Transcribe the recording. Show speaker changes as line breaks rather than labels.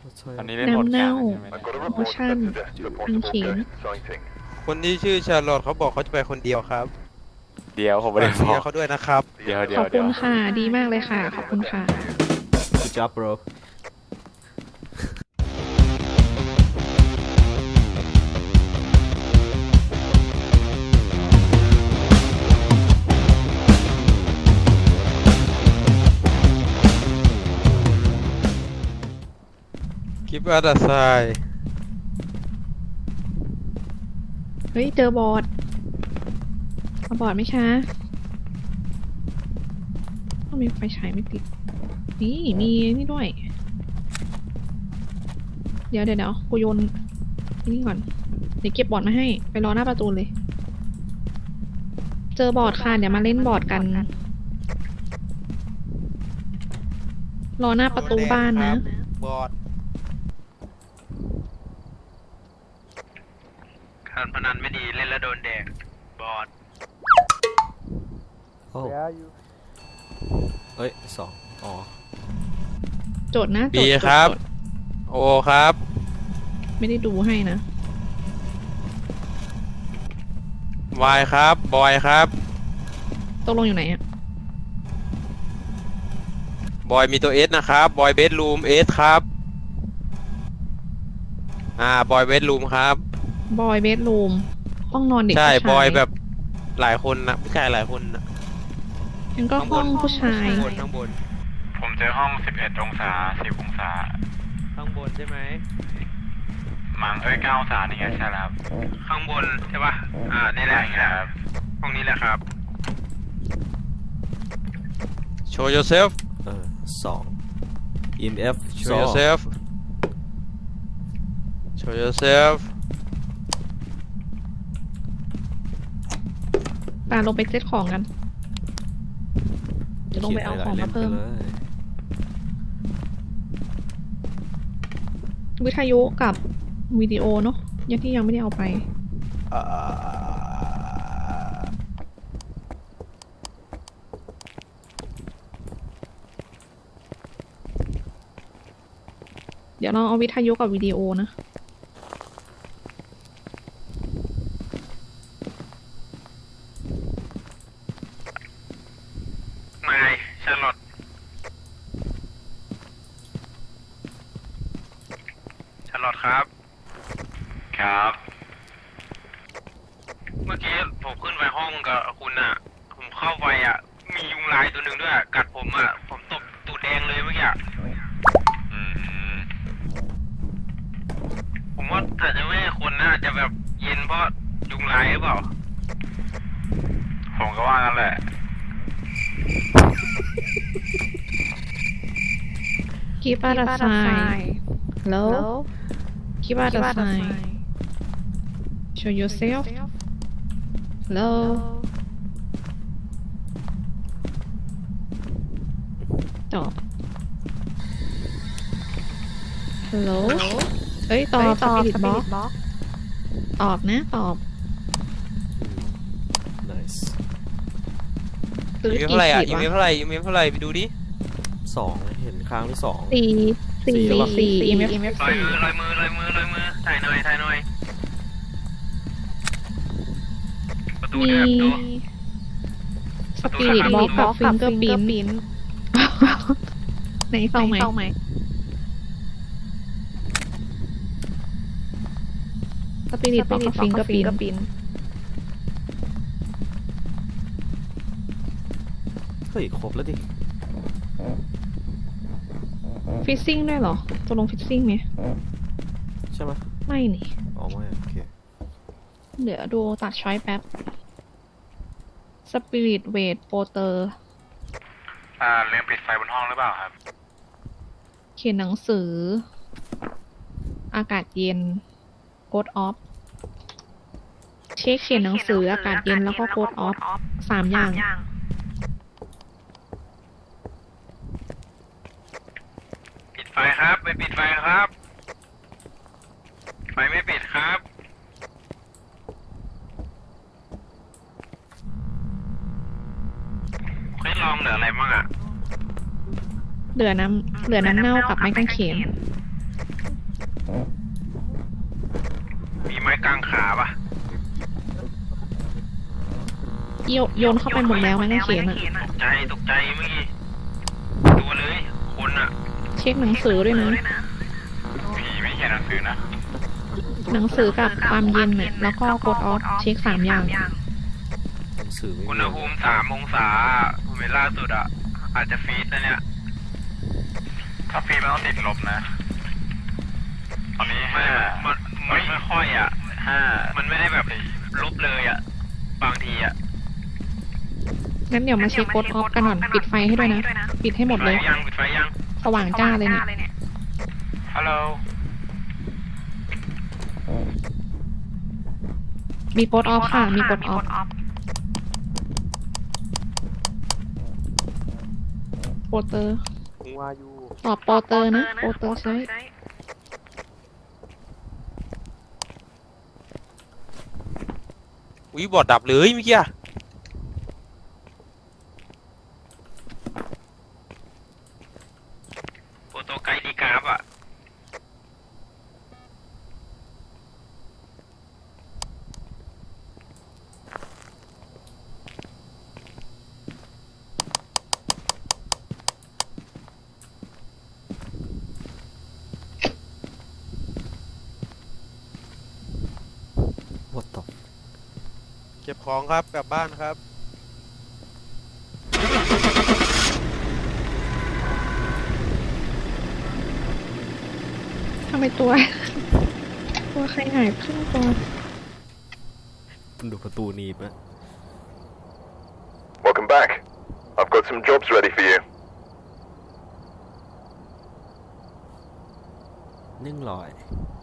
ตอนนี้เล่นโหมดกลางใช่ไหม
โมชั่นอังเขียน
คนที่ชื่อชาร์ลอตเขาบอกเขาจะไปคนเดียวครับ
เดี๋ยวผมไม่ได้บ
เชี
อย ก
ร์เขาด้วยนะครับ
เดี๋ยว
ขอบคุณค่ะ ดีมากเลยค่ะ ขอบคุณค่ะ
Good job bro
คิปอาร์ดไซ
เฮ้ย เจอบอร์ดเอาบอร์ดไหมคะต้องมีไฟฉายไม่ติด นี่มีนี่ด้วย เดี๋ยวกูโยนนี่ก่อน เดี๋ยวเก็บบอร์ดมาให้ ไปรอหน้าประตูเลย เจอบอร์ดค่ะ เดี๋ยวมาเล่นบอร์ดกัน รอหน้าประตูบ้านนะ
บอด
การพนันไม่ดีเล่นแล้วโดนแดกบอด
โอ้เอ้ยสองอ๋อ
โจทย์นะโจ
บี
ทย์
ครับ
โจทย์
โอครับ
ไม่ได้ดูให้นะ
วายครับบอยครับ
ตกลงอยู่ไหนอะ
บอยมีตัวเอสนะครับบอยเบดรูมเอสครับบอยเบดรูมครับ
บอยเบดรูมห้องนอนเด็ก
ใช่
ผู้ชาย
บอยแบบหลายคนนะผู้ชายหลายคนนะ
งั้นก็ห้องผู้ชาย
ข้างบนข้างบน
ผมเจอห้อง11 องศา10 องศา
ข้างบนใช่ไหม
มั้ง9 องศานี่ไงใช่แล้วครับ
ข้างบนใช่ป่ะนี่แหละ
ใช่ครับ
ห้องนี้แหละครับ
show yourself
สอง EMF
show yourself show yourself
ปาลงไปเซตของกัน เดี๋ยวลงไปเอาของมาเพิ่ม วิทยุกับวิดีโอเนาะยังที่ยังไม่ได้เอาไป เดี๋ยวเราเอาวิทยุกับวิดีโอนะ
นายชาร์ลอตครับ
ครับ
เมื่อกี้ผมขึ้นไปห้องกับคุณอ่ะ ผมเข้าไปอ่ะ มียุงลายตัวหนึ่งด้วยกัดผมอ่ะ ผมตบตูดแดงเลยเมื่อกี้
อืม
ผมว่าอาจจะไม่ใช่คนนะอาจจะแบบเย็นเพราะยุงลายหรือเปล่า
ผมก็ว่างั้นแหละ
Keep out of sight Hello Keep out of sight Show yourself Hello ตอบ Hello เฮ้ยตอบ Spirit Box ตอบนะตอบ
nice
ตื้อ
ยู
กี่
เท่าไหร่อ่ะ
ขีด
ยู
วะ
เท่าไหร่ยูเท่าไหร่ไปดูดิ
สองเห็นค้างที่สอง
สี่ EMF
ลอยมือถ่ายหน่อยประตู
มี
เนี่ยประตู
Spirit Box กับ Fingerprint ไหนเฝ้าไหม Spirit Box กับ Fingerprint
เฮ้ยครบแล้วดิ
ฟิซซิ่งด้วยเหรอจะลงฟิซซิ่งไหม
ใช่ไหม
ไม่นี่
อ๋อไม่โอเค
เดี๋ยวดูตัดช้อยแป๊บ Spirit Weight Porter
ลืมปิดไฟบนห้องหรือเปล่าครับ
เขียนหนังสือ อากาศเย็น Code Off เช็คเขียนหนังสืออากาศเย็นแล้วก็ Code Off 3 อย่าง
ปิดไฟครับไม่ปิดไฟครับ ไฟไม่ปิดครับ เฮ้ยลองเหลืออะไรบ้างอ่ะ
เหลือน้ำเน่ากับไม้กางเขน
มีไม้กางขาปะ
โยนเข้าไปหมดแล้วไม้กางเขนอะ
ตกใจเมื่อกี้ตัวเลยคนอะ
เช็คหนังสือด้วยนะ
ผีไม่เขียนหนังสือนะ
หนังสือกับความเย็นเนี่ยแล้วก็กดออฟเช็ค3 อย่าง
หนังสือไม่
อุณ
มี
หภูมิ3 องศาผมเห็นล่าสุดอะอาจจะฟีดนะเนี่ย
ถ้าฟีมันต้องติดลบนะ ตอนนี้
ไม่
5
ไม่ค่อยอะ
5
มันไม่ได้แบบลบเลยอะบางทีอะ
งั้นเดี๋ยวมาเช็คกดออฟกันก่อนปิดไฟให้ด้วยนะ ปิดให้หมดเลย
ปิดไฟยัง
สว่างจ้าเลยเนี่ย
ฮัลโหล
มีกดออฟค่ะ มีกดออฟโปรเตอร์
ผมว่าอยู่
ตอบโปรเตอร์นะโปรเตอร์ใช้
อุ้ยบอดดับเลยเมื่อกี้อะ
โฟโตไกด์ดีกราฟอะ
What the
เก็บของครับกลับบ้านครับ
ทำไมตัว ตัวใครหายครึ่งตัว
ดูประตูหนีบนะ
Welcome back. I've got some jobs ready for you.
100